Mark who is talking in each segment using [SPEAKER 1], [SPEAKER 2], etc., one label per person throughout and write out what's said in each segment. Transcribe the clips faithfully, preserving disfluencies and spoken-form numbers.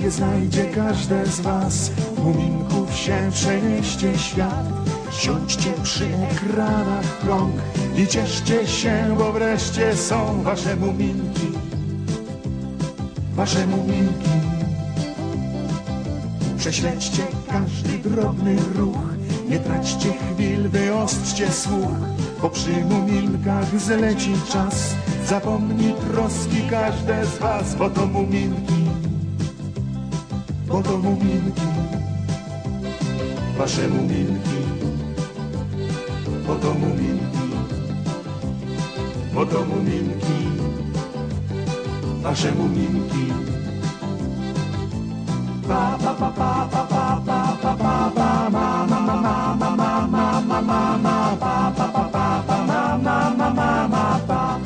[SPEAKER 1] Szczęście znajdzie każde z was, muminków się przenieście świat. Siądźcie przy ekranach w krąg i cieszcie się, bo wreszcie są wasze muminki, wasze muminki. Prześledźcie każdy drobny ruch, nie traćcie chwil, wyostrzcie słuch, bo przy muminkach zleci czas. Zapomni troski każde z was, bo to muminki, bo to muminki, wasze muminki, bo to muminki, bo to muminki, wasze muminki. Pa pa pa pa pa pa pa pa pa pa ma ma ma ma ma ma ma ma ma ma pa pa pa pa pa ma ma ma ma ma pa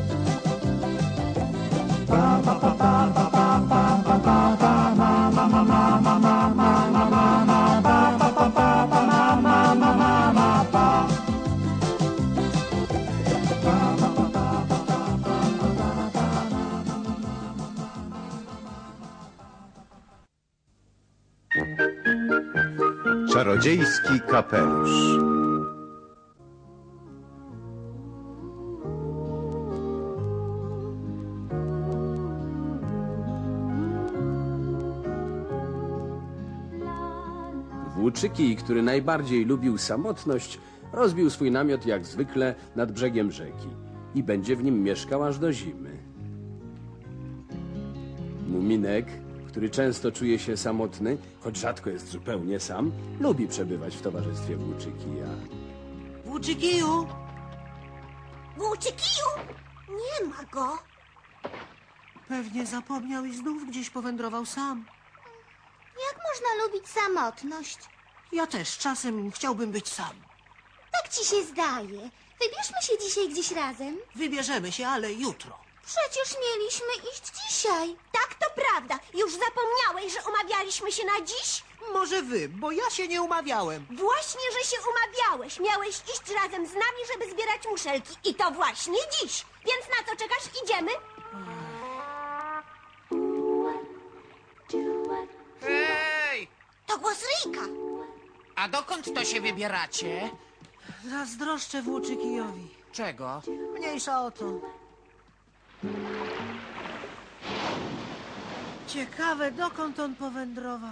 [SPEAKER 1] pa pa pa pa pa pa pa pa pa pa ma ma ma ma ma ma ma ma ma ma pa pa pa pa pa ma ma ma ma ma pa.
[SPEAKER 2] Czarodziejski kapelusz.
[SPEAKER 3] Włóczyki, który najbardziej lubił samotność, rozbił swój namiot jak zwykle nad brzegiem rzeki i będzie w nim mieszkał aż do zimy. Muminek, który często czuje się samotny, choć rzadko jest zupełnie sam, lubi przebywać w towarzystwie Włóczykija.
[SPEAKER 4] Włóczykiju!
[SPEAKER 5] Włóczykiju! Nie ma go.
[SPEAKER 4] Pewnie zapomniał i znów gdzieś powędrował sam.
[SPEAKER 5] Jak można lubić samotność?
[SPEAKER 4] Ja też czasem chciałbym być sam.
[SPEAKER 5] Tak ci się zdaje. Wybierzmy się dzisiaj gdzieś razem.
[SPEAKER 4] Wybierzemy się, ale jutro.
[SPEAKER 5] Przecież mieliśmy iść dzisiaj. Tak, to prawda. Już zapomniałeś, że umawialiśmy się na dziś?
[SPEAKER 4] Może wy, bo ja się nie umawiałem.
[SPEAKER 5] Właśnie, że się umawiałeś. Miałeś iść razem z nami, żeby zbierać muszelki. I to właśnie dziś. Więc na co czekasz? Idziemy?
[SPEAKER 6] Hej!
[SPEAKER 5] To głos Ryjka.
[SPEAKER 6] A dokąd to się wybieracie?
[SPEAKER 4] Zazdroszczę Włóczykijowi.
[SPEAKER 6] Czego?
[SPEAKER 4] Mniejsza o to. Ciekawe, dokąd on powędrował.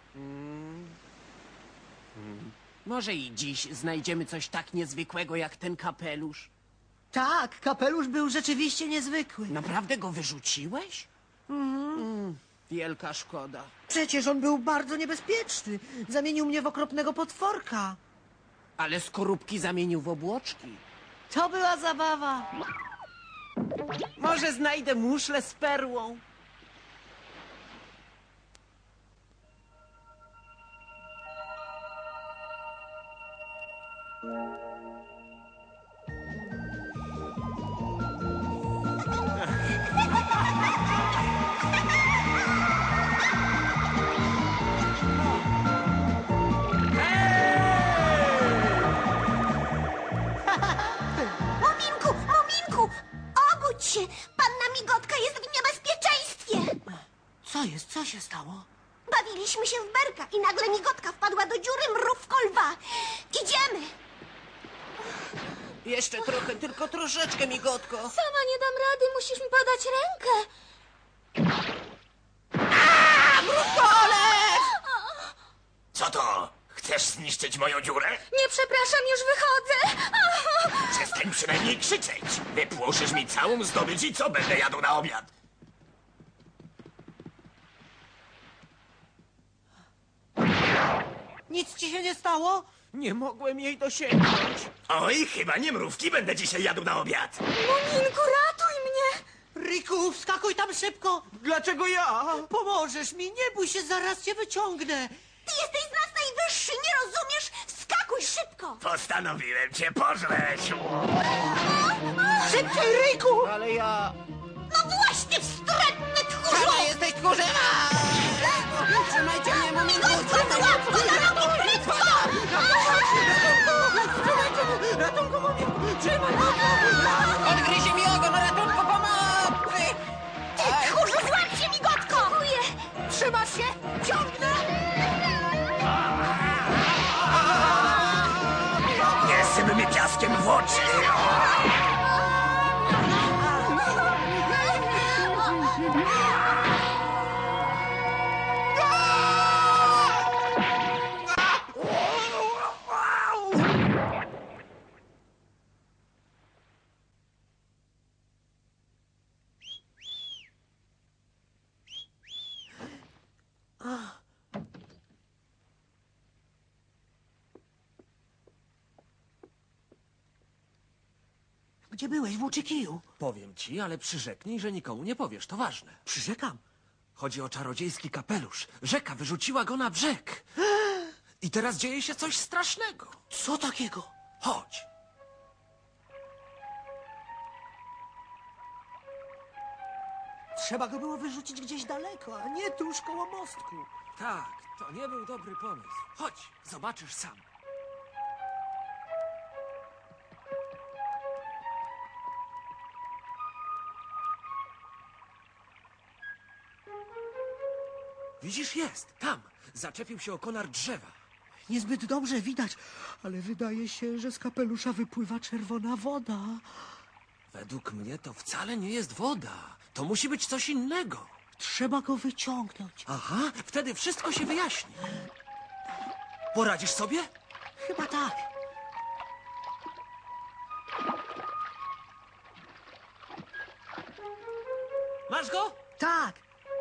[SPEAKER 6] Może i dziś znajdziemy coś tak niezwykłego jak ten kapelusz.
[SPEAKER 4] Tak, kapelusz był rzeczywiście niezwykły.
[SPEAKER 6] Naprawdę go wyrzuciłeś? Mm, wielka szkoda.
[SPEAKER 4] Przecież on był bardzo niebezpieczny. Zamienił mnie w okropnego potworka.
[SPEAKER 6] Ale skorupki zamienił w obłoczki.
[SPEAKER 4] To była zabawa.
[SPEAKER 6] Może znajdę muszlę z perłą?
[SPEAKER 5] Muminku, Muminku! Obudź się! Panna Migotka jest w niebezpieczeństwie!
[SPEAKER 4] Co jest? Co się stało?
[SPEAKER 5] Bawiliśmy się w berka i nagle Migotka wpadła do dziury mrówko lwa. Idziemy!
[SPEAKER 6] Jeszcze trochę, tylko troszeczkę, migotko.
[SPEAKER 5] Sama nie dam rady, musisz mi podać rękę.
[SPEAKER 7] Co to? Chcesz zniszczyć moją dziurę?
[SPEAKER 5] Nie, przepraszam, już wychodzę.
[SPEAKER 7] Przestań przynajmniej krzyczeć. Wypłoszysz mi całą zdobycz i co będę jadł na obiad?
[SPEAKER 4] Nic ci się nie stało?
[SPEAKER 6] Nie mogłem jej dosięgnąć.
[SPEAKER 7] Oj, chyba nie mrówki będę dzisiaj jadł na obiad.
[SPEAKER 5] Muminku, ratuj mnie!
[SPEAKER 4] Riku, wskakuj tam szybko!
[SPEAKER 6] Dlaczego ja?
[SPEAKER 4] Pomożesz mi, nie bój się, zaraz cię wyciągnę!
[SPEAKER 5] Ty jesteś z nas najwyższy, nie rozumiesz? Wskakuj szybko!
[SPEAKER 7] Postanowiłem cię pożreć.
[SPEAKER 4] Szybciej, Riku!
[SPEAKER 6] Ale ja...
[SPEAKER 5] No właśnie, wstrętny tchórzu!
[SPEAKER 6] Czarna jesteś tchórzyma! Trzymajcie mnie, muminku!
[SPEAKER 5] Złap go za nogi, prędko!
[SPEAKER 6] Ratunku, muminku! Trzymaj mnie! Odgryzie mi ogon, ratunku, pomocy!
[SPEAKER 5] Ty tchórzu, złap się, Migotko! Dziękuję!
[SPEAKER 4] Trzymasz Gdzie byłeś, Włóczykiju?
[SPEAKER 8] Powiem ci, ale przyrzeknij, że nikomu nie powiesz, to ważne.
[SPEAKER 4] Przyrzekam.
[SPEAKER 8] Chodzi o czarodziejski kapelusz. Rzeka wyrzuciła go na brzeg. I teraz dzieje się coś strasznego.
[SPEAKER 4] Co takiego?
[SPEAKER 8] Chodź.
[SPEAKER 4] Trzeba go było wyrzucić gdzieś daleko, a nie tuż koło mostku.
[SPEAKER 8] Tak, to nie był dobry pomysł. Chodź, zobaczysz sam. Widzisz, jest, tam. Zaczepił się o konar drzewa.
[SPEAKER 4] Niezbyt dobrze widać, ale wydaje się, że z kapelusza wypływa czerwona woda.
[SPEAKER 8] Według mnie to wcale nie jest woda. To musi być coś innego.
[SPEAKER 4] Trzeba go wyciągnąć.
[SPEAKER 8] Aha, wtedy wszystko się wyjaśni. Poradzisz sobie?
[SPEAKER 4] Chyba tak.
[SPEAKER 8] Masz go?
[SPEAKER 4] Tak.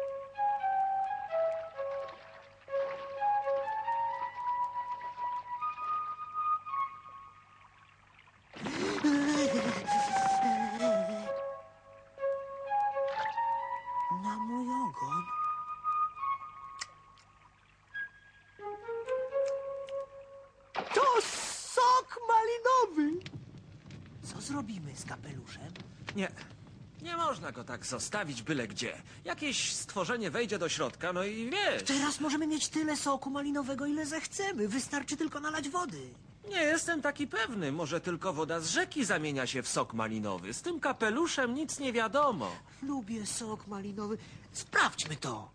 [SPEAKER 4] Na mój ogon. To sok malinowy. Co zrobimy z kapeluszem?
[SPEAKER 8] Nie. Nie można go tak zostawić byle gdzie. Jakieś stworzenie wejdzie do środka, no i wiesz.
[SPEAKER 4] Teraz możemy mieć tyle soku malinowego, ile zechcemy. Wystarczy tylko nalać wody.
[SPEAKER 8] Nie jestem taki pewny. Może tylko woda z rzeki zamienia się w sok malinowy. Z tym kapeluszem nic nie wiadomo.
[SPEAKER 4] Lubię sok malinowy. Sprawdźmy to.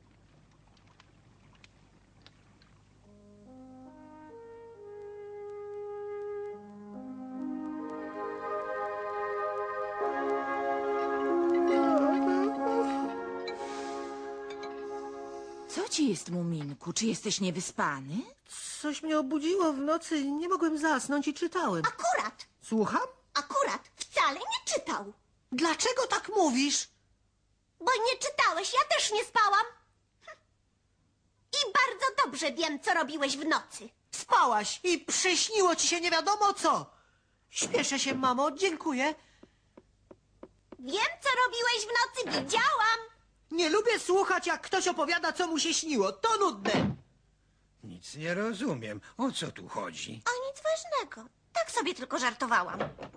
[SPEAKER 9] Co ci jest, Muminku? Czy jesteś niewyspany?
[SPEAKER 4] Coś mnie obudziło w nocy. Nie mogłem zasnąć i czytałem.
[SPEAKER 5] Akurat,
[SPEAKER 4] Słucham?
[SPEAKER 5] akurat, wcale nie czytał.
[SPEAKER 4] Dlaczego tak mówisz?
[SPEAKER 5] Bo nie czytałeś, ja też nie spałam. Hm. I bardzo dobrze wiem, co robiłeś w nocy.
[SPEAKER 4] Spałaś i przyśniło ci się nie wiadomo co. Śpieszę się, mamo, dziękuję.
[SPEAKER 5] Wiem, co robiłeś w nocy, widziałam.
[SPEAKER 4] Nie lubię słuchać, jak ktoś opowiada, co mu się śniło. To nudne.
[SPEAKER 10] Nic nie rozumiem. O co tu chodzi?
[SPEAKER 5] O nic ważnego. Tak sobie tylko żartowałam.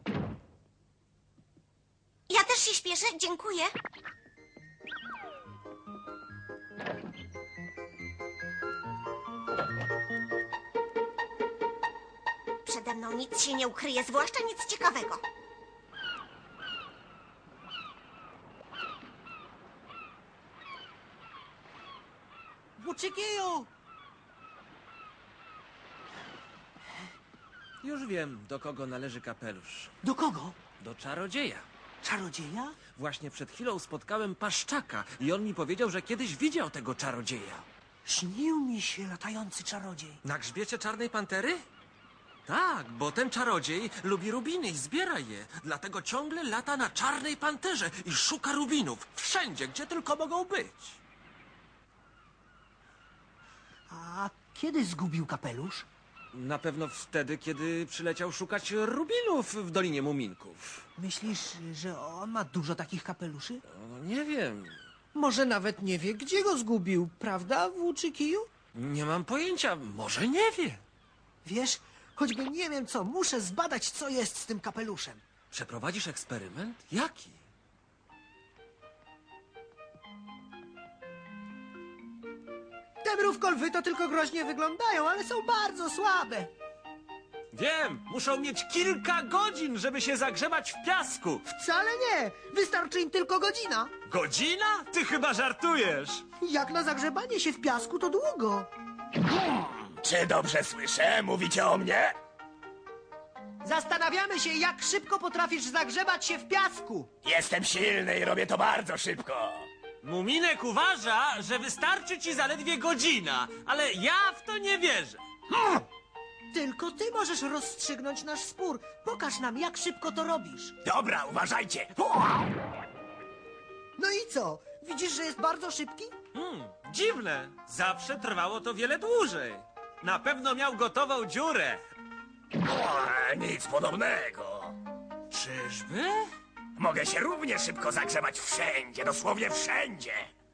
[SPEAKER 5] Ja też się śpieszę, dziękuję. Przede mną nic się nie ukryje, zwłaszcza nic ciekawego.
[SPEAKER 4] Włóczykiju!
[SPEAKER 8] Już wiem, do kogo należy kapelusz.
[SPEAKER 4] Do kogo?
[SPEAKER 8] Do czarodzieja.
[SPEAKER 4] Czarodzieja?
[SPEAKER 8] Właśnie przed chwilą spotkałem paszczaka i on mi powiedział, że kiedyś widział tego czarodzieja.
[SPEAKER 4] Śnił mi się latający czarodziej.
[SPEAKER 8] Na grzbiecie czarnej pantery? Tak, bo ten czarodziej lubi rubiny i zbiera je. Dlatego ciągle lata na czarnej panterze i szuka rubinów. Wszędzie, gdzie tylko mogą być.
[SPEAKER 4] A kiedy zgubił kapelusz?
[SPEAKER 8] Na pewno wtedy, kiedy przyleciał szukać rubinów w Dolinie Muminków.
[SPEAKER 4] Myślisz, że on ma dużo takich kapeluszy?
[SPEAKER 8] No, nie wiem.
[SPEAKER 4] Może nawet nie wie, gdzie go zgubił, prawda, Włóczykiju?
[SPEAKER 8] Nie mam pojęcia. Może nie wie.
[SPEAKER 4] Wiesz, choćby nie wiem co, muszę zbadać, co jest z tym kapeluszem.
[SPEAKER 8] Przeprowadzisz eksperyment? Jaki?
[SPEAKER 4] Te mrówkolwy to tylko groźnie wyglądają, ale są bardzo słabe.
[SPEAKER 8] Wiem, muszą mieć kilka godzin, żeby się zagrzebać w piasku.
[SPEAKER 4] Wcale nie, wystarczy im tylko godzina.
[SPEAKER 8] Godzina? Ty chyba żartujesz.
[SPEAKER 4] Jak na zagrzebanie się w piasku, to długo.
[SPEAKER 7] Czy dobrze słyszę? Mówicie o mnie?
[SPEAKER 4] Zastanawiamy się, jak szybko potrafisz zagrzebać się w piasku.
[SPEAKER 7] Jestem silny i robię to bardzo szybko.
[SPEAKER 8] Muminek uważa, że wystarczy ci zaledwie godzina, ale ja w to nie wierzę.
[SPEAKER 4] Tylko ty możesz rozstrzygnąć nasz spór. Pokaż nam, jak szybko to robisz.
[SPEAKER 7] Dobra, uważajcie.
[SPEAKER 4] No i co? Widzisz, że jest bardzo szybki?
[SPEAKER 8] Hmm, dziwne. Zawsze trwało to wiele dłużej. Na pewno miał gotową dziurę.
[SPEAKER 7] O, nic podobnego.
[SPEAKER 8] Czyżby?
[SPEAKER 7] Mogę się równie szybko zagrzewać wszędzie, dosłownie wszędzie.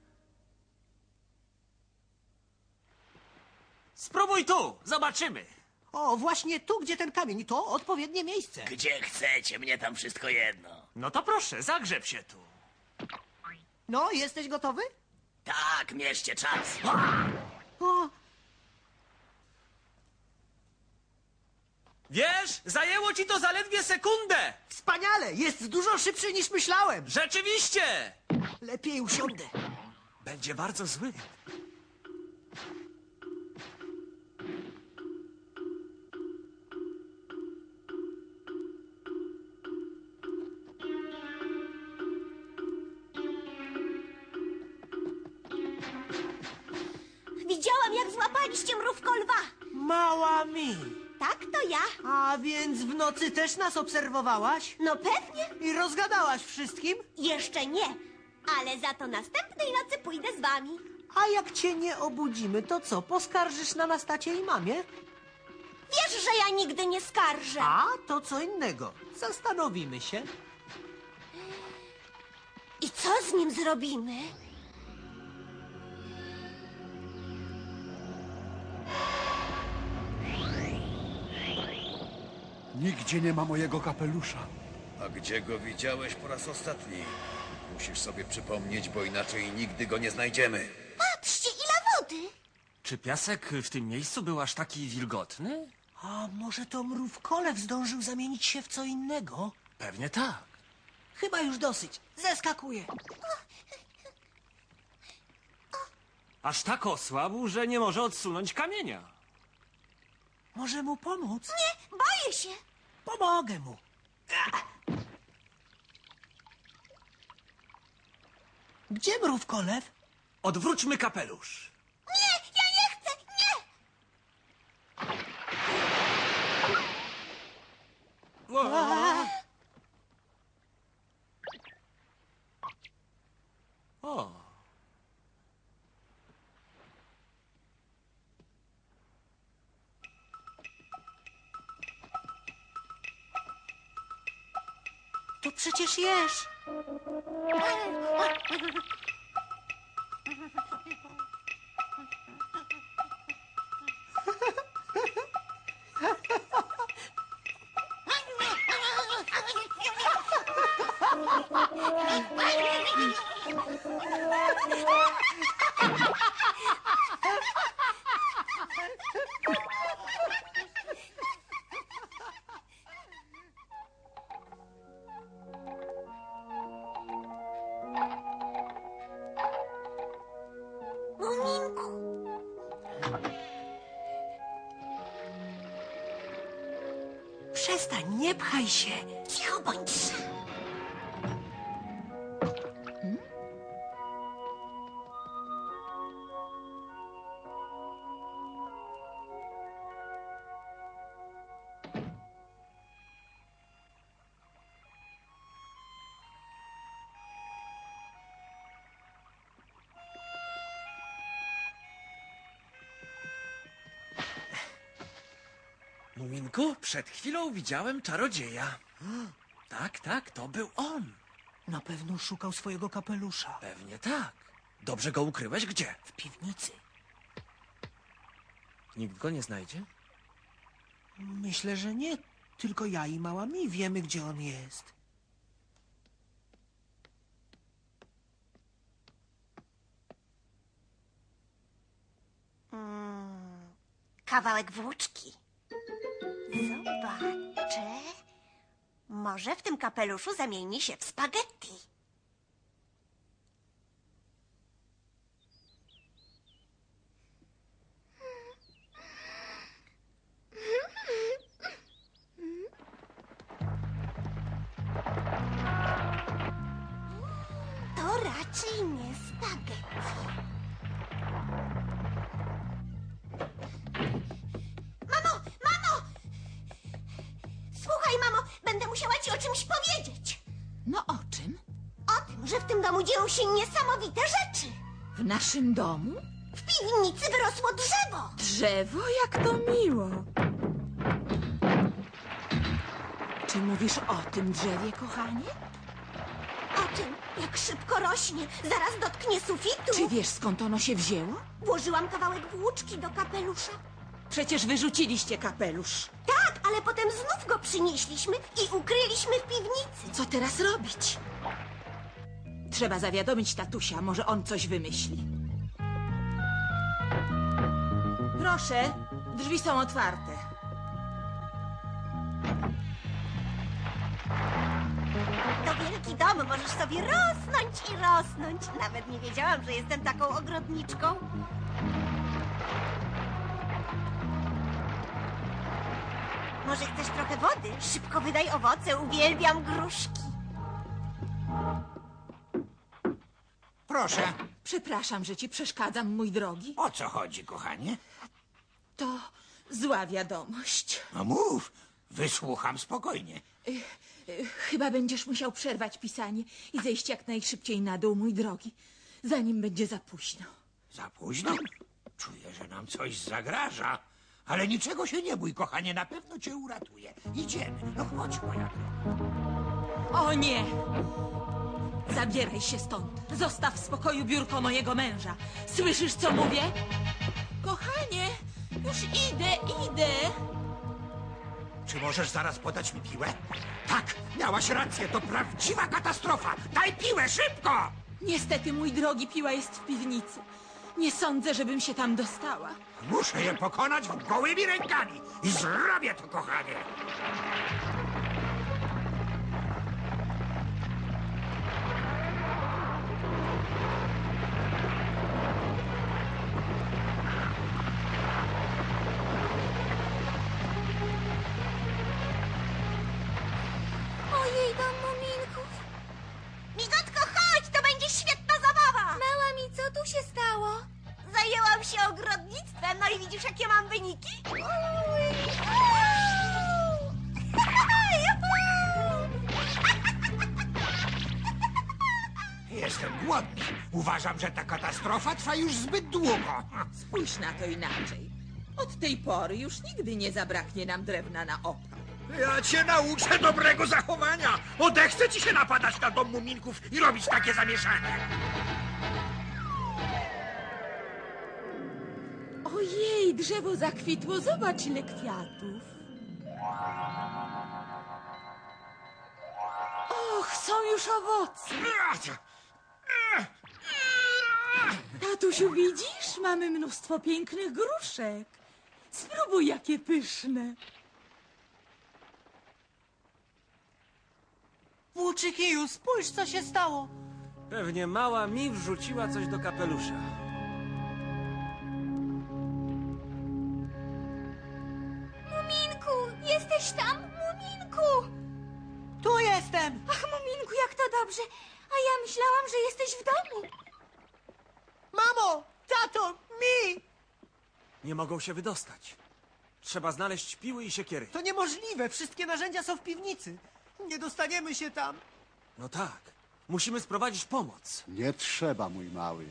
[SPEAKER 8] Spróbuj tu, zobaczymy.
[SPEAKER 4] O, właśnie tu, gdzie ten kamień, to odpowiednie miejsce.
[SPEAKER 7] Gdzie chcecie, mnie tam wszystko jedno.
[SPEAKER 8] No to proszę, zagrzeb się tu.
[SPEAKER 4] No, jesteś gotowy?
[SPEAKER 7] Tak, mierzcie czas.
[SPEAKER 4] O,
[SPEAKER 8] Wiesz, zajęło ci to zaledwie sekundę.
[SPEAKER 4] wspaniale! Jest dużo szybszy niż myślałem.
[SPEAKER 8] Rzeczywiście!
[SPEAKER 4] Lepiej usiądę.
[SPEAKER 8] Będzie bardzo zły.
[SPEAKER 5] Widziałam, jak złapaliście mrówko lwa.
[SPEAKER 4] Mała mi.
[SPEAKER 5] Tak, to ja.
[SPEAKER 4] A więc w nocy też nas obserwowałaś?
[SPEAKER 5] No pewnie.
[SPEAKER 4] I rozgadałaś wszystkim?
[SPEAKER 5] Jeszcze nie. Ale za to następnej nocy pójdę z wami.
[SPEAKER 4] A jak cię nie obudzimy, to co, poskarżysz na nas tacie i mamie?
[SPEAKER 5] Wiesz, że ja nigdy nie skarżę.
[SPEAKER 4] A, to co innego. Zastanowimy się.
[SPEAKER 5] I co z nim zrobimy?
[SPEAKER 1] Nigdzie nie ma mojego kapelusza.
[SPEAKER 2] A gdzie go widziałeś po raz ostatni? Musisz sobie przypomnieć, bo inaczej nigdy go nie znajdziemy.
[SPEAKER 5] Patrzcie, ile wody.
[SPEAKER 8] Czy piasek w tym miejscu był aż taki wilgotny?
[SPEAKER 4] A może to mrówkolew zdążył zamienić się w co innego?
[SPEAKER 8] Pewnie tak.
[SPEAKER 4] Chyba już dosyć. Zeskakuję.
[SPEAKER 8] Aż tak osłabł, że nie może odsunąć kamienia.
[SPEAKER 4] Może mu pomóc?
[SPEAKER 5] Nie, boję się.
[SPEAKER 4] Pomogę mu. Gdzie mrówkolew?
[SPEAKER 8] Odwróćmy kapelusz.
[SPEAKER 5] Nie, ja nie chcę, nie.
[SPEAKER 8] O,
[SPEAKER 4] To przecież jesz.
[SPEAKER 5] Muminku.
[SPEAKER 4] Przestań, nie pchaj się.
[SPEAKER 5] Cicho bądź.
[SPEAKER 8] Muminku, przed chwilą widziałem czarodzieja. Tak, tak, to był on.
[SPEAKER 4] Na pewno szukał swojego kapelusza.
[SPEAKER 8] Pewnie tak. Dobrze go ukryłeś? Gdzie?
[SPEAKER 4] W piwnicy.
[SPEAKER 8] Nikt go nie znajdzie?
[SPEAKER 4] Myślę, że nie. Tylko ja i mała mi wiemy, gdzie on jest.
[SPEAKER 5] Kawałek włóczki. Zobaczę. Może w tym kapeluszu zamieni się w spaghetti. To raczej nie spaghetti. Mamo, mamo! Słuchaj, mamo, będę musiała ci o czymś powiedzieć.
[SPEAKER 9] No o czym?
[SPEAKER 5] O tym, że w tym domu dzieją się niesamowite rzeczy.
[SPEAKER 9] W naszym domu?
[SPEAKER 5] W piwnicy wyrosło drzewo.
[SPEAKER 9] Drzewo? Jak to miło. Czy mówisz o tym drzewie, kochanie?
[SPEAKER 5] O czym? Jak szybko rośnie. Zaraz dotknie sufitu.
[SPEAKER 9] Czy wiesz, skąd ono się wzięło?
[SPEAKER 5] Włożyłam kawałek włóczki do kapelusza.
[SPEAKER 9] Przecież wyrzuciliście kapelusz.
[SPEAKER 5] Tak, ale potem znów go przynieśliśmy i ukryliśmy w piwnicy.
[SPEAKER 9] Co teraz robić? Trzeba zawiadomić tatusia, może on coś wymyśli. Proszę, drzwi są otwarte.
[SPEAKER 5] To wielki dom, możesz sobie rosnąć i rosnąć. Nawet nie wiedziałam, że jestem taką ogrodniczką. Może chcesz trochę wody? Szybko wydaj owoce, uwielbiam gruszki.
[SPEAKER 10] Proszę,
[SPEAKER 9] Przepraszam, że ci przeszkadzam, mój drogi.
[SPEAKER 10] o co chodzi, kochanie?
[SPEAKER 9] To zła wiadomość.
[SPEAKER 10] No mów, wysłucham spokojnie.
[SPEAKER 9] Y, Chyba będziesz musiał przerwać pisanie i zejść jak najszybciej na dół, mój drogi, zanim będzie za późno.
[SPEAKER 10] Za późno? Czuję, że nam coś zagraża. Ale niczego się nie bój, kochanie, na pewno cię uratuję. Idziemy, no chodź, moja droga.
[SPEAKER 9] O nie! Zabieraj się stąd. Zostaw w spokoju biurko mojego męża. Słyszysz, co mówię? Kochanie, już idę, idę.
[SPEAKER 10] Czy możesz zaraz podać mi piłę? Tak, miałaś rację, to prawdziwa katastrofa. Daj piłę, szybko!
[SPEAKER 9] Niestety, mój drogi, piła jest w piwnicy. Nie sądzę, żebym się tam dostała.
[SPEAKER 10] Muszę je pokonać gołymi rękami. I zrobię to, kochanie.
[SPEAKER 5] Ojej, dom muminków. Migotko, chodź, to będzie świetna zabawa. Mała mi, co tu się stało? Zajęłam się ogrodnictwem, no i widzisz, jakie mam wyniki?
[SPEAKER 10] Jestem głodny. Uważam, że ta katastrofa trwa już zbyt długo.
[SPEAKER 9] Spójrz na to inaczej. Od tej pory już nigdy nie zabraknie nam drewna na opał.
[SPEAKER 10] Ja cię nauczę dobrego zachowania. Odechce ci się napadać na dom muminków i robić takie zamieszanie.
[SPEAKER 9] Ojej, drzewo zakwitło, zobacz ile kwiatów. Och, są już owoce. Tatusiu, widzisz? Mamy mnóstwo pięknych gruszek. Spróbuj, jakie pyszne.
[SPEAKER 4] Włóczykiju, spójrz, co się stało.
[SPEAKER 8] Pewnie mała mi wrzuciła coś do kapelusza.
[SPEAKER 5] Muminku, jesteś tam? Muminku!
[SPEAKER 4] Tu jestem.
[SPEAKER 5] Ach, Muminku, jak to dobrze. A ja myślałam, że jesteś w domu.
[SPEAKER 4] Mamo, tato, mi!
[SPEAKER 8] Nie mogą się wydostać. Trzeba znaleźć piły i siekiery.
[SPEAKER 4] To niemożliwe, wszystkie narzędzia są w piwnicy. Nie dostaniemy się tam.
[SPEAKER 8] No tak. Musimy sprowadzić pomoc.
[SPEAKER 1] Nie trzeba, mój mały.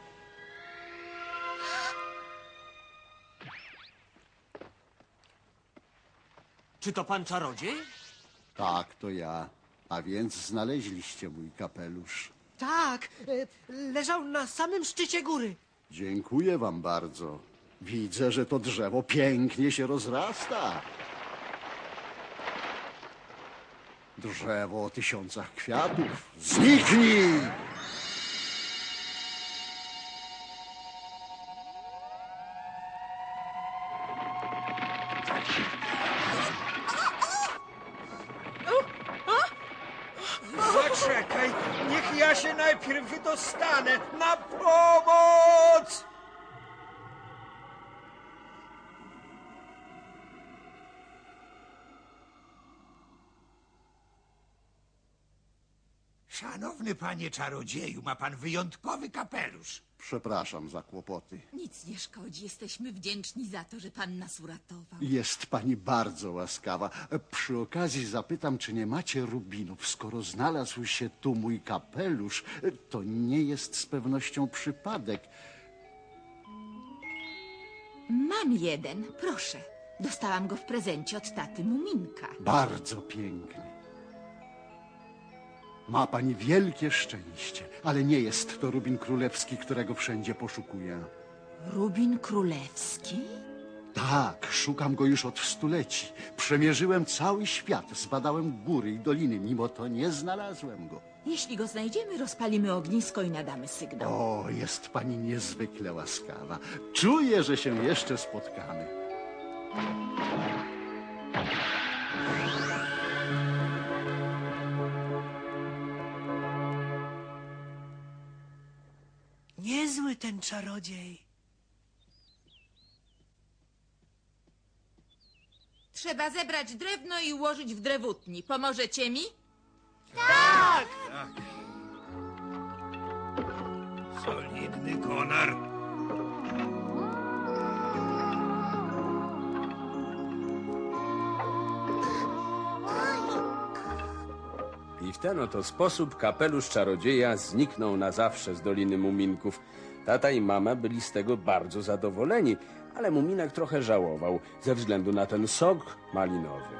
[SPEAKER 8] Czy to pan czarodziej?
[SPEAKER 1] Tak, to ja. A więc znaleźliście mój kapelusz.
[SPEAKER 4] Tak, e, leżał na samym szczycie góry.
[SPEAKER 1] Dziękuję wam bardzo. Widzę, że to drzewo pięknie się rozrasta. Drzewo o tysiącach kwiatów. Zniknij!
[SPEAKER 10] Zaczekaj, niech ja się najpierw wydostanę. Na pomoc! Szanowny panie czarodzieju, ma pan wyjątkowy kapelusz.
[SPEAKER 1] Przepraszam za kłopoty.
[SPEAKER 9] Nic nie szkodzi, jesteśmy wdzięczni za to, że pan nas uratował.
[SPEAKER 1] Jest pani bardzo łaskawa. Przy okazji zapytam, czy nie macie rubinów. Skoro znalazł się tu mój kapelusz, to nie jest z pewnością przypadek.
[SPEAKER 9] Mam jeden, proszę. Dostałam go w prezencie od taty Muminka.
[SPEAKER 1] Bardzo piękny. Ma pani wielkie szczęście, ale nie jest to Rubin Królewski, którego wszędzie poszukuję.
[SPEAKER 9] Rubin Królewski?
[SPEAKER 1] Tak, szukam go już od stuleci. Przemierzyłem cały świat, zbadałem góry i doliny, mimo to nie znalazłem go.
[SPEAKER 9] Jeśli go znajdziemy, rozpalimy ognisko i nadamy sygnał.
[SPEAKER 1] O, jest pani niezwykle łaskawa. Czuję, że się jeszcze spotkamy.
[SPEAKER 4] Niezły ten czarodziej.
[SPEAKER 9] Trzeba zebrać drewno i ułożyć w drewutni. Pomożecie mi?
[SPEAKER 10] Solidny konar.
[SPEAKER 3] I w ten oto sposób kapelusz czarodzieja zniknął na zawsze z Doliny Muminków. Tata i mama byli z tego bardzo zadowoleni, ale Muminek trochę żałował ze względu na ten sok malinowy.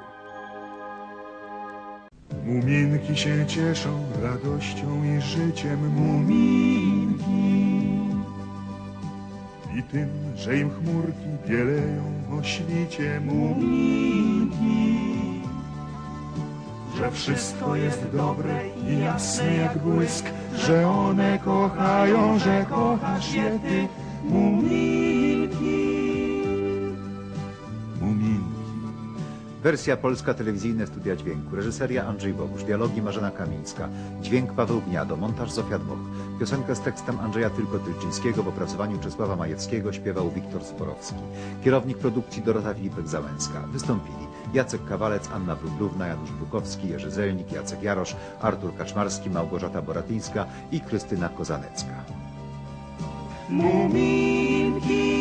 [SPEAKER 1] Muminki się cieszą radością i życiem. Muminki. I tym, że im chmurki bieleją o świcie. Muminki. Że wszystko jest dobre i jasne jak błysk, że one kochają, że kochasz je ty. Muminki. Muminki.
[SPEAKER 11] Wersja polska, telewizyjne studia dźwięku. Reżyseria Andrzej Bogusz. Dialogi Marzena Kamińska. Dźwięk Paweł Gniado. Montaż Zofia Dmoch. Piosenkę z tekstem Andrzeja Tylko-Tylczyńskiego w opracowaniu Czesława Majewskiego śpiewał Wiktor Sporowski. Kierownik produkcji Dorota Filipek-Załęska. Wystąpili Jacek Kawalec, Anna Wróblówna, Janusz Brukowski, Jerzy Zelnik, Jacek Jarosz, Artur Kaczmarski, Małgorzata Boratyńska i Krystyna Kozanecka.
[SPEAKER 1] Muminki.